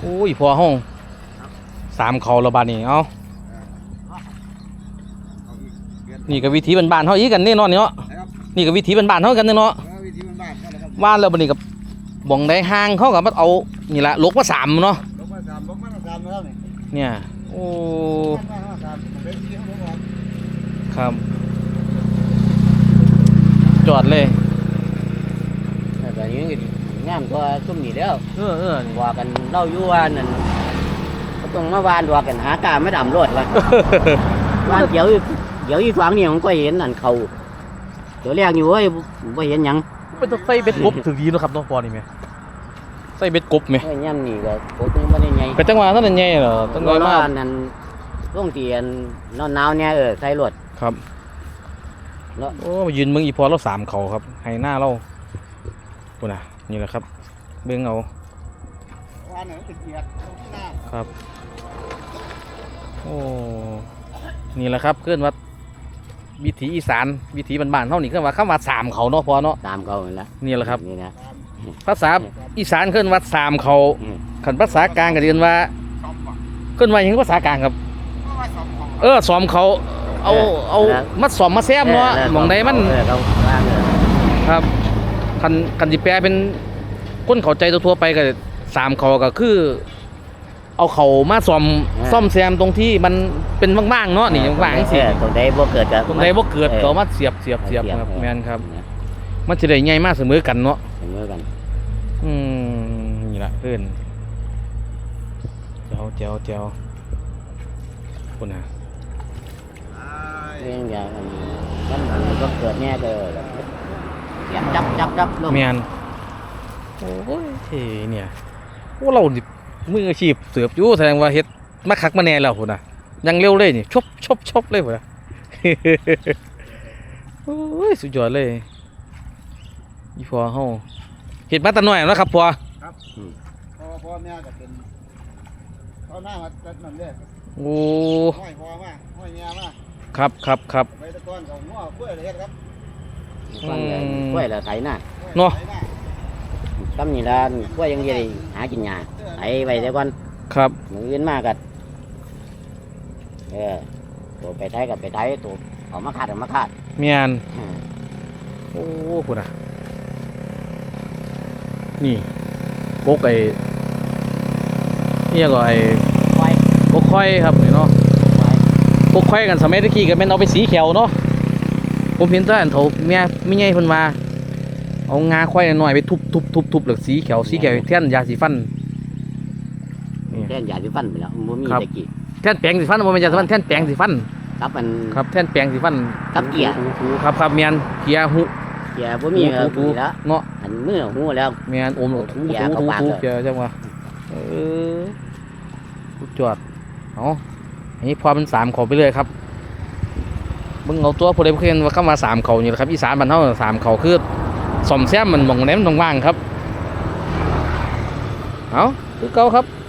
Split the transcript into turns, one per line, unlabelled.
โอ้ยพอห้อง3เขาระบาดนี่เอานี่ก็วิธีบ้านๆเฮาอีกกันแน่นอนเนาะนี่ก็วิธีบ้านๆเฮากันเนาะว่านแล้วบัดนี้กับบ่งได้ห่างเขากับมันเอานี่ละลกมา3เนาะ
ลกมา3แล้วนี่
เนี่ยโอ้ครับจอดเลย
แต่ยังงามกว่าซุ่มนี่แล้ว
นี่
ว่ากันเล่าอยู่ว่านั่นก็ต้องมาวานว่ากันหากาไม่ดำรถว่าวานเดี๋ยวอีกฝั่งนี่มันก็เห็นนั่นเขาเดี๋ยวแรกอยู่เว้ยไม่เห็นหยัง
เป็นต้องใส่เบ็ดกบถึงดีเนาะครับน้องปอนี่แม่ใส่เบ็ดกบไหม
ไอ้ย่ำนี่ก็โคตรไม่ได้ไง
ก็จังหวะนั้นไงเหรอจังหวะมาก
นั่นช่วงเตียนหนาวเนี่ยใส่รถ
ครับโอ้ยืนเมืองอีพอเรา3เขาครับให้หน้าเราปุ่นน่ะนี่แหละครับเบื้องเอาครับโอ้นี่แหละครับเคลื่อนวัดวิถีอีสานวิถีบ้านๆเท่านี้เคลื่อนวัดเข้ามา3เขาเนาะพอเนาะ
3เขาแล้ว
นี่แหละครับ
นี่นะ
ภาษาอีสานเคลื่อนวัด3เขาขันภาษากลางก็เรียนว่าเคลื่อนวัดยังภาษากลางครับซ้อมเขาเอามัดซ้อมมาแซมเนาะมองใดมันครับคันสิแปลเป็นคนเข้าใจทั่วไปก็3เขาก็คือเอาเขามาซ่อมแซมตรงที่มันเป็นว่างๆเนาะนี่ว่างๆสิ
ตรงใดบ่เกิดก็
ตรงใดบ่เกิดก็มาเสียบครับแม่นครับมันสิได้ใหญ่มากเสมอกันเนาะ
เสมอกัน
นี่ล่ะเพิ่นแจ๋วพุ่นน่ะ
เรื่องอย่างมันก็เกิดแน่เด้อเสียบจับลง
แม่นโอ้ยเนี่ยโอ้เรานี่มืออาชีพเสือบอยู่แสดงว่าเฮ็ดมาคักมาแน่แล้วพุ่นน่ะยังเร็วเลยนี่ชบเลยพุ่นน่ะโอ้ยสุดยอดเลยอีพอเฮาเฮ็ดมาแต่น้อยแล้วครับพอ
ครับพอแม่ก็เป็นเอาหน้ามาจัดนั่นเลย
โอ้
ห้อยพอมาห้อยแม่มา
ครับ
ไปตะก้อนของง้อกล้วยเลยครับ
กล้วยละไถหน้า
เนาะ
ตำนี่ละกล้วยยังได้หากินหญ้าไถไว้แต่ก่อน
ครับ
มื้ออื่นมาก็ตัวไปไถกับไปไถตัวเอามาขาด
แม่นโอ้พุ่นน่ะนี่กกนี่ก็กกค่อยครับนี่เนาะกกค่อยกันสมัยตะกี้ก็แม่นเอาไปสีเขียวเนาะผมเห็นแต่อันเฒ่าแม่ไม่ใหญ่เพิ่นมาเอางาค่อยน้อยไปทุบแล้วสีเขียวแท่นยาสีฟัน
แท่นยาสีฟันไปแล้วบ่มีตะกี้
แท่นแปรงสีฟันบ่แม่นยาสีฟันแท่นแปรงสีฟัน
ครับมัน
ครับแท่นแปรงสีฟัน
กับเกียร์
ครับแม่นเกียร์หู
เกียร์บ่มีครับแล้ว
เนาะ
อันมือหูแล้ว
แม่นอมถูเกียร์จังว่าจอดเอาอันนี้พอเป็น3เขาไปเลยครับเบิ่งเอาตัวผู้ใดผู้เห็นว่าเข้ามา3เขานี่แหละครับอีสานบ้านเฮา3เขาคือซ่อมแซมมันหม่องไหนมันว่างๆครับเอาคือเก่าครับ